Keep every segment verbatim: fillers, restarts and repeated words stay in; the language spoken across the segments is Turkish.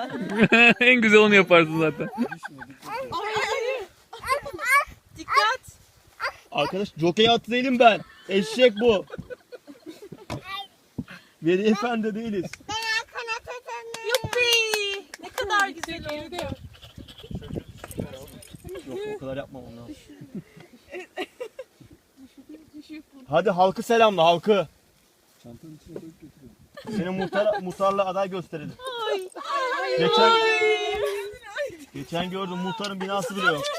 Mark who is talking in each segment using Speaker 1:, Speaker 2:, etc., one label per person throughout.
Speaker 1: En güzel onu yaparsın zaten.
Speaker 2: Dikkat.
Speaker 3: Arkadaş jokey atı değilim ben. Eşek bu. Veli efendi değiliz.
Speaker 2: Yuppi. Ne kadar güzel oldu.
Speaker 3: Yok o kadar yapmam onu. Hadi halkı selamla halkı.
Speaker 4: Çantanın içine koyup götürüyorum.
Speaker 3: Seni muhtar, muhtarla aday gösterelim.
Speaker 2: Ay.
Speaker 3: Geçen,
Speaker 2: Ay.
Speaker 3: geçen gördüm muhtarın binası bile yok.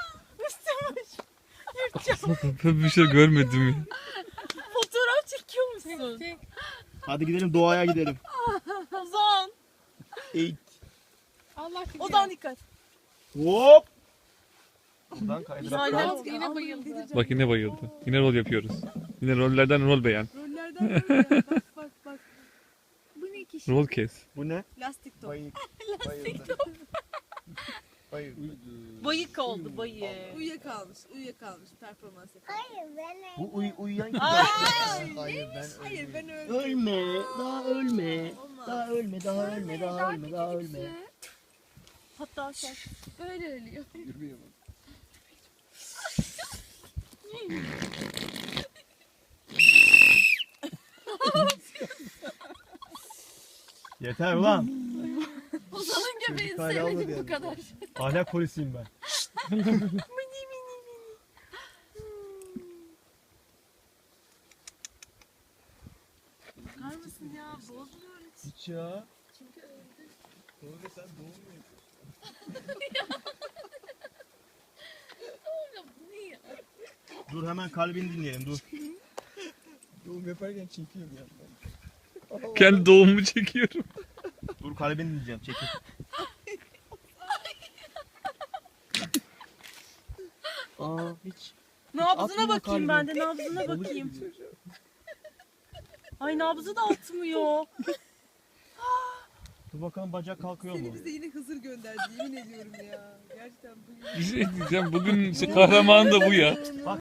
Speaker 1: Ben bir şey görmedim ya.
Speaker 2: Fotoğraf çekiyor musun?
Speaker 3: Hadi gidelim doğaya gidelim.
Speaker 2: Ozan.
Speaker 3: Eğit.
Speaker 5: Allah kim
Speaker 2: Ozan dikkat.
Speaker 3: Hop. Buradan kaydırak.
Speaker 2: Aynen.
Speaker 5: yine bayıldı.
Speaker 1: Bak yine bayıldı. Yine rol yapıyoruz. Yine rollerden rol beğen.
Speaker 5: Rollerden böyle. Bak bak bak. Bu ne ki?
Speaker 1: Rol kes.
Speaker 3: Bu ne?
Speaker 2: Lastik top.
Speaker 3: Bayık. Bayıldı. Bayıldı.
Speaker 2: Bayık oldu bayık.
Speaker 5: Uyuyakalmış. Uyuyakalmış. Performans yapıyor.
Speaker 3: Bu uy uyuyan gibi.
Speaker 4: Hayır ben
Speaker 5: Hayır ben öyle.
Speaker 3: Ölme, daha ölme.
Speaker 5: Olmaz.
Speaker 3: Daha ölme, daha ölme, daha ölme, daha ölme.
Speaker 2: Hatta şey.
Speaker 5: Böyle ölüyor.
Speaker 4: yürümeye bak.
Speaker 3: Yeter ulan.
Speaker 5: Ozan'ın göbeğini
Speaker 4: Çocuk hala almadı
Speaker 5: sevmedim bu
Speaker 4: yani.
Speaker 5: kadar.
Speaker 3: Ahlak polisiyim ben.
Speaker 2: Bakar mısın ya? Bozmuyor hiç.
Speaker 3: Hiç ya.
Speaker 4: Doğru sen doğum mu yapıyorsun?
Speaker 5: Oğlum bu ne ya?
Speaker 3: Dur hemen kalbini dinleyelim dur.
Speaker 4: Doğum yaparken çekiyorum ya.
Speaker 1: Kendi doğumumu çekiyorum.
Speaker 3: Dur kalbini dinleyeceğim çekil. Aa hiç.
Speaker 2: Nabzına
Speaker 3: atmıyor
Speaker 2: bakayım
Speaker 3: kalbim.
Speaker 2: ben de nabzına bakayım. Ay nabzı da atmıyor.
Speaker 3: Dur bakalım bacak kalkıyor mu?
Speaker 5: Seni bize yine Hızır gönderdi yemin ediyorum ya. Gerçekten bugün.
Speaker 1: Bir şey diyeceğim. Bugün işte kahraman da bu ya.